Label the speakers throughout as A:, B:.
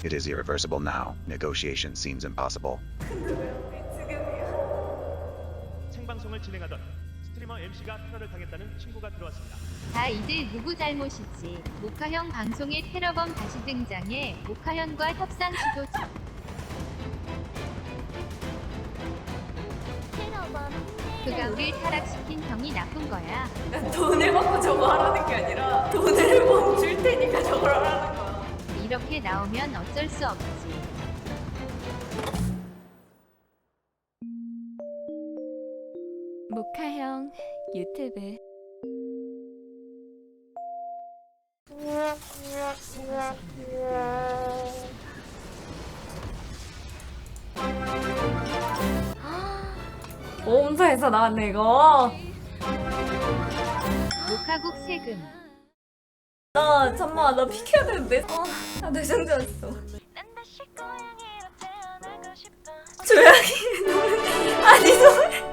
A: It is irreversible now. Negotiation seems impossible.
B: 생방송을 진행하던 스트리머 MC가 테러를 당했다는 신고가 들어왔습니다.
C: 다 이제 누구 잘못이지. 모카형 방송에 테러범 다시 등장해 모카형과 협상 시도 중. 그가 우릴 타락시킨 형이 나쁜 거야.
D: 난 돈을 받고 저거 하라는 게 아니라 돈을 멈출 테니까 저걸 하라는 거야.
C: 이렇게 나오면 어쩔 수 없지.
E: 모카형 유튜브.
D: 보험사에서 나왔네 이거.
C: 모카국 세금.
D: 나 잠깐만 나 피켜야 되는데. 나 뇌정지 왔어. 조용히 노래. 아니 노래.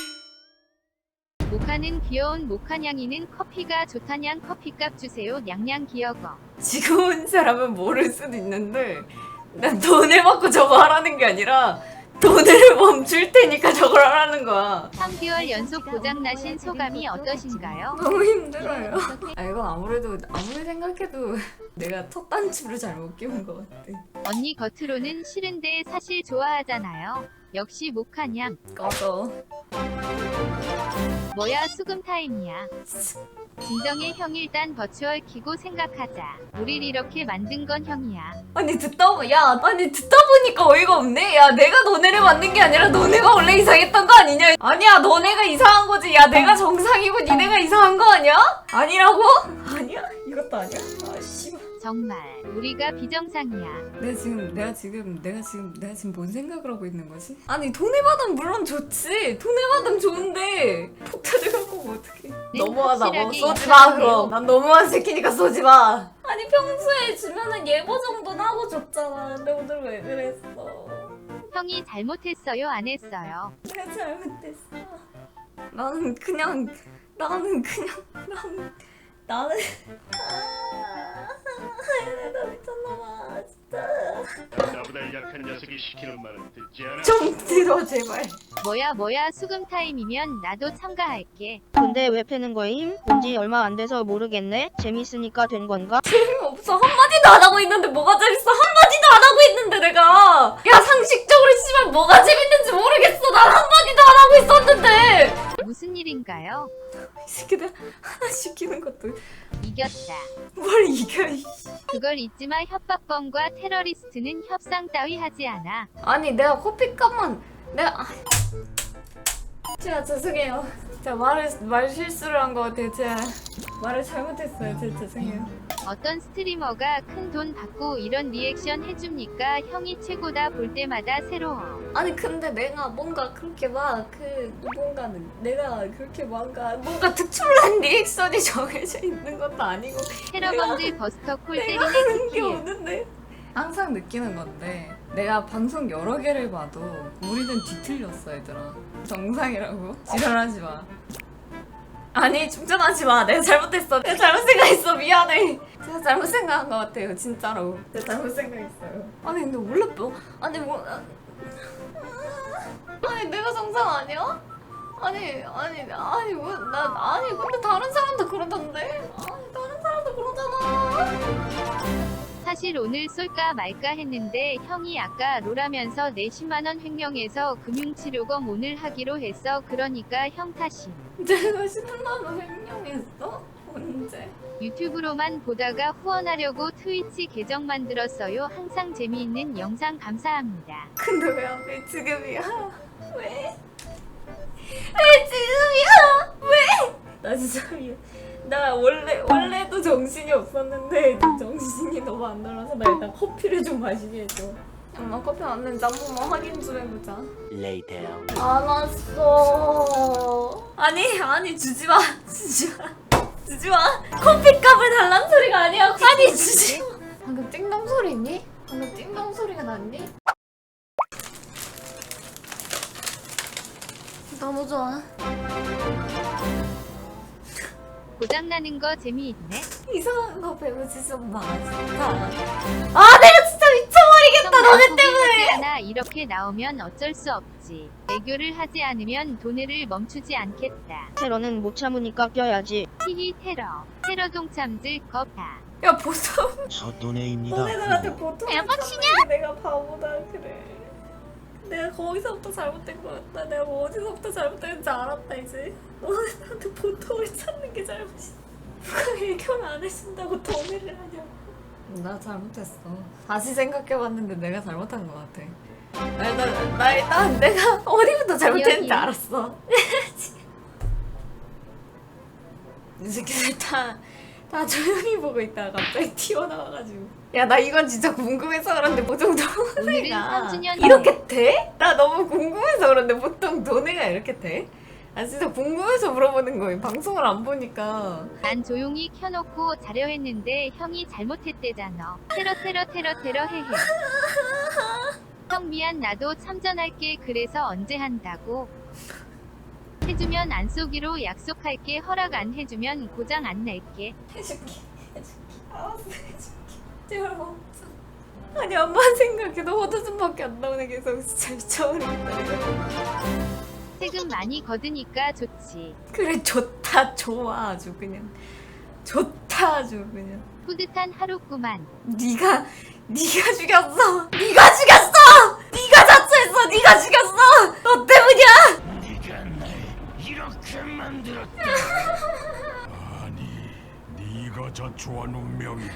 C: 모카는 귀여운 모카냥이는 커피가 좋다냥 커피값 주세요 냥냥 기어거.
D: 지금 온 사람은 모를 수도 있는데 난 돈을 받고 저거 하라는 게 아니라 돈을 멈출 테니까 저걸 하라는 거야.
C: 3개월 연속 고장나신 소감이 어떠신가요?
D: 너무 힘들어요. 아 이건 아무래도 아무리 생각해도 내가 첫 단추를 잘못 끼운 것 같아.
C: 언니 겉으로는 싫은데 사실 좋아하잖아요. 역시 모카냥.
D: 꺼져.
C: 뭐야 수금 타임이야. 진정해 형 일단 버추얼 키고 생각하자. 우릴 이렇게 만든 건 형이야.
D: 아니 듣다 보니까 어이가 없네. 야 내가 너네를 만든 게 아니라 너네가 원래 이상했던 거 아니냐? 아니야 너네가 이상한 거지. 야 내가 정상이고 니네가 이상한 거 아니야? 아니라고? 아니야? 이것도 아니야? 아 씨발.
C: 정말 우리가 비정상이야.
D: 내가 지금 뭔 생각을 하고 있는 거지? 아니 돈을 받으면 물론 좋지. 돈을 받으면 좋은데 폭탄을 갖고 뭐 어떡해. 너무하다. 뭐
C: 확실하게
D: 쏘지 마
C: 인정해요.
D: 그럼. 난 너무한 새끼니까 쏘지 마. 아니 평소에 주면은 예보 정도는 하고 줬잖아. 근데 오늘 왜 그랬어?
C: 형이 잘못했어요 안 했어요?
D: 내가 잘못했어. 나는 그냥 나는 나 미쳤나봐 진짜.
B: 나보다 약한 녀석이 시키는 말은 듣지 않아.
D: 좀 들어 제발.
C: 뭐야 수금 타임이면 나도 참가할게.
F: 근데 왜 패는 거임? 본지 얼마 안 돼서 모르겠네. 재밌으니까 된 건가?
D: 재미없어. 한마디도 안 하고 있는데 뭐가 재밌어. 한마디도 안 하고 있는데 내가. 야 상식적으로 씨발 뭐가 재밌는지 모르겠어. 난 한마디도 안 하고 있었는데.
C: 무슨 일인가요?
D: 이 새끼들 하나 시키는 것도
C: 이겼다.
D: 뭘 이겨 이.
C: 그걸 잊지마. 협박범과 테러리스트는 협상 따위 하지 않아.
D: 아니 내가 커피값만 내가 제가 죄송해요. 제가 말 실수를 한 것 같아요. 제가 말을 잘못했어요. 제가 죄송해요.
C: 어떤 스트리머가 큰 돈 받고 이런 리액션 해줍니까? 형이 최고다. 볼 때마다 새로워.
D: 아니 근데 내가 뭔가 그렇게 막 내가 그렇게 뭔가 특출난 리액션이 정해져 있는 것도 아니고
C: 테러범들 버스터 콜
D: 내가
C: 때리는
D: 하는 게
C: 키키유.
D: 없는데. 항상 느끼는 건데 내가 방송 여러 개를 봐도 우리는 뒤틀렸어 얘들아. 정상이라고? 지랄하지 마. 아니 충전하지 마. 내가 잘못했어. 내가 잘못 생각했어. 미안해. 제가 잘못 생각한 것 같아요. 진짜로. 제가 잘못 생각했어요. 아니 근데 원래 아니 내가 정상 아니야? 아니 근데 다른 사람도 그러던데. 아니 다른 사람도 그러잖아.
C: 사실 오늘 쏠까 말까 했는데 형이 아까 롤하면서 내 10만원 횡령해서 금융치료검 오늘 하기로 했어. 그러니까 형 탓임.
D: 내가 10만 원 횡령했어? 언제?
C: 유튜브로만 보다가 후원하려고 트위치 계정 만들었어요. 항상 재미있는 영상 감사합니다.
D: 근데 왜 하필 지금이야? 왜? 왜 지금이야? 왜? 나 진짜 나 원래도 정신이 없었는데 정신이 너무 안 돌아서 나 일단 커피를 좀 마시게 해줘. 엄마 커피 왔는지 한 번만 확인 좀 해보자. 안 왔어. 아니 주지 마. 커피값을 달란 소리가 아니야. 아니 주지 마. 방금 띵동 소리 있니? 방금 띵동 소리가 났니? 너무 좋아.
C: 고장나는 거 재미있네.
D: 이상한 거 배우지 좀 마, 진짜. 아, 내가 진짜 미쳐! 너네 때문에.
C: 하나 이렇게 나오면 어쩔 수 없지. 애교를 하지 않으면 돈을 멈추지 않겠다.
F: 테러는 못 참으니까 껴야지.
C: 히히 테러. 테러 동참들 겁다.
D: 야 보통
G: 헛돈에입니다.
D: 너네들한테 보통
C: 대박이냐?
D: 내가 바보다 그래. 내가 거기서부터 잘못된 거였다. 내가 뭐 어디서부터 잘못됐는지 알았다 이제. 너네들한테 보통을 찾는 게 잘못이야. 누가 애교를 안 해준다고 돈을 하냐고. 나 잘못했어. 다시 생각해봤는데 내가 잘못한 것 같아. 나 일단 내가 어디부터 잘못했는지
C: 여기.
D: 알았어. 이 새끼들 다 조용히 보고 있다가 갑자기 튀어나와가지고 야 나 이건 진짜 궁금해서 그런데 보통
C: 오늘은
D: 도네가
C: 3주년
D: 이렇게 돼? 나 너무 궁금해서 그런데 보통 도네가 이렇게 돼? 아 진짜 궁금해서 물어보는 거예요. 방송을 안 보니까.
C: 난 조용히 켜놓고 자려 했는데 형이 잘못했대잖아. 테러 테러 테러 테러 헤헤. 형 미안 나도 참전할게. 그래서 언제 한다고? 해주면 안 쏘기로 약속할게. 허락 안 해주면 고장 안 낼게.
D: 해줄게 알았어 해줄게 제발 멈춰. 아니 엄만 생각해도 호두순밖에 안 나오네. 계속 진짜 미쳐버리겠다 내가.
C: 세금 많이 거드니까 좋지.
D: 그래 좋다 좋아 아주 그냥 좋다 아주 그냥.
C: 뿌듯한 하루구만.
D: 네가 죽였어. 네가 죽였어. 네가 자초했어. 네가 죽였어. 너 때문이야.
G: 네가 날 이렇게 만들었다. 아니, 네가 자초한 운명이다.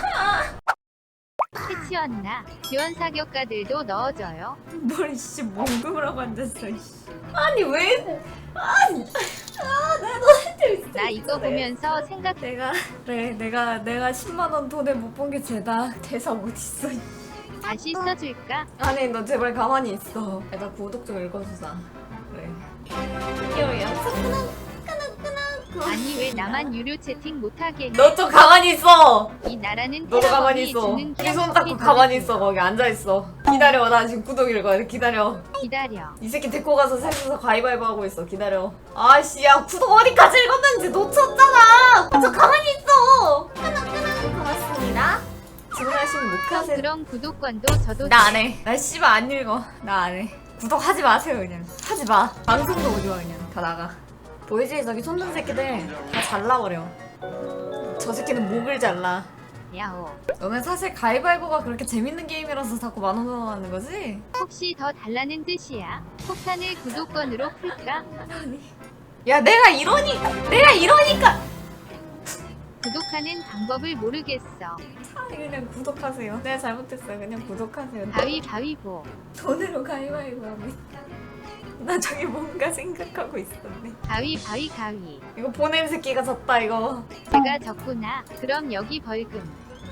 C: 해치웠나? 지원 사격가들도 넣어줘요.
D: 뭘 씨 몽금을 하고 앉았어. 이씨. 아니 왜? 아니 내가 너한테 있어.
C: 나 이거 보면서 생각.
D: 내가 그래 내가 10만 원 돈을 못 본 게 죄다. 대사 못 있어.
C: 다시 써줄까?
D: 아니 너 제발 가만히 있어. 나 구독 좀 읽어주자. 그래. 이거 연습 끄덕끄덕.
C: 아니 왜 나만 유료 채팅 못하게 해?
D: 너 좀 가만히 있어.
C: 이 나라는
D: 너도 가만히
C: 테러범이
D: 있어.
C: 주는
D: 네 손
C: 기합
D: 잡고
C: 커피
D: 가만히
C: 더
D: 있어. 거기 앉아 있어. 기다려. 나 지금 구독 읽어야 돼. 기다려.
C: 기다려.
D: 이 새끼 데리고 가서 셋이서 가위바위보 하고 있어. 기다려. 아씨, 야 구독 어디까지 읽었는지 놓쳤잖아. 저 가만히 있어. 끄덕끄덕. 고맙습니다. 주문하신 모카세.
C: 그럼 구독권도 저도
D: 나 안 해. 나 씨발 안 읽어. 나 안 해. 구독하지 마세요 그냥. 하지 마. 방송도 오지 마 그냥. 다 나가. 보이지? 저기 손든 새끼들 다 잘라버려. 저 새끼는 목을 잘라.
C: 야호.
D: 너네 사실 가위바위보가 그렇게 재밌는 게임이라서 자꾸 10,000원 하는 거지?
C: 혹시 더 달라는 뜻이야? 폭탄을 구독권으로 풀까?
D: 야 내가 이러니까
C: 구독하는 방법을 모르겠어.
D: 그냥 구독하세요. 내가 잘못했어요. 그냥 구독하세요.
C: 가위바위보.
D: 돈으로 가위바위보 하고 있다. 나 저기 뭔가 생각하고 있었네.
C: 가위.
D: 이거 보낸 새끼가 졌다 이거.
C: 제가 졌구나. 그럼 여기 벌금.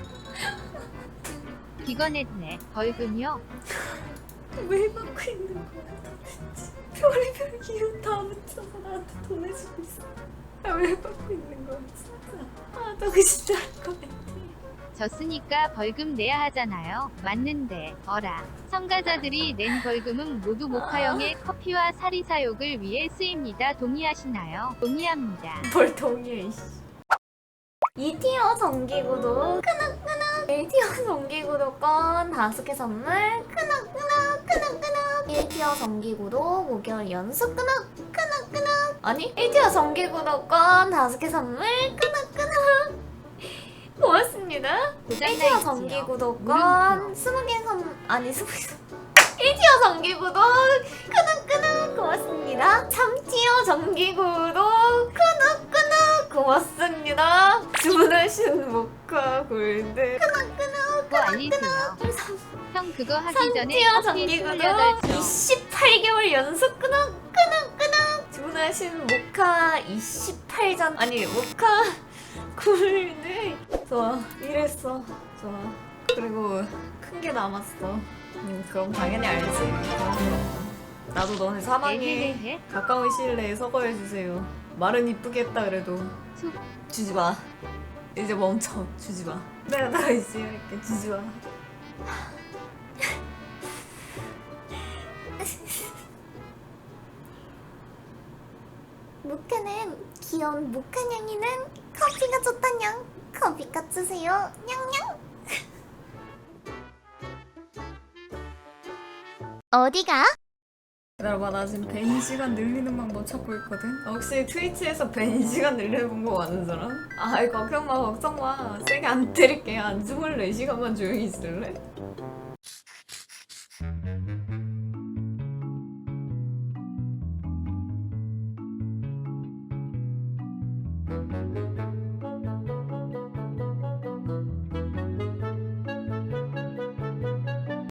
C: 기권했네. 벌금요?
D: 왜 받고 있는 거야 도대체. 별의별 이유 다 붙여서 나한테 돈 해주고 있어. 왜 받고 있는 거야 진짜. 너 진짜 할 거 같아.
C: 졌으니까 벌금 내야 하잖아요. 맞는데. 어라. 참가자들이 낸 벌금은 모두 모카형의 커피와 사리 사욕을 위해 쓰입니다. 동의하시나요? 동의합니다.
D: 뭘 동의해 이씨. 2티어 정기구독 끄덕끄덕. 1티어 정기구독권 5개 선물 끄덕끄덕 끄덕끄덕. 1티어 정기구독 5개월 연속 끄덕끄덕. 아니 1티어 정기구독권 5개 선물 끄덕끄덕. 고맙습니다. 1티어 정기구독권 20개 선 아니 20개 1티어 정기구독 끄덕끄덕 고맙습니다. 3티어 정기구독 끄덕끄덕 고맙습니다. 주문하신 모카 골드
C: 그거 알리세요. 형 그거 하기 전에
D: 3티어
C: 커피
D: 정기구독
C: 28초.
D: 28개월 연속 끄덕끄덕 주문하신 모카 28잔 아니 모카 골드. 좋아 이랬어. 좋아. 그리고 큰 게 남았어. 그럼 당연히 알지. 그럼. 나도 너네 사망에
C: 에헤헤헤.
D: 가까운 시일 내에 서거해주세요. 말은 이쁘게 했다 그래도
C: 툭.
D: 주지 마. 이제 멈춰. 주지 마. 내가 나 열심히 할게. 주지 마.
H: 모카는 귀여운 모카냥이는 커피가 좋다냥. 커피값 주세요. 냥냥. 어디가?
D: 기다려봐, 나 지금 벤 시간 늘리는 방법 찾고 있거든. 혹시 트위치에서 벤 시간 늘려본 거 아는 사람? 아이 걱정 마, 걱정 마. 세게 안 때릴게. 한 24시간만 조용히 있을래?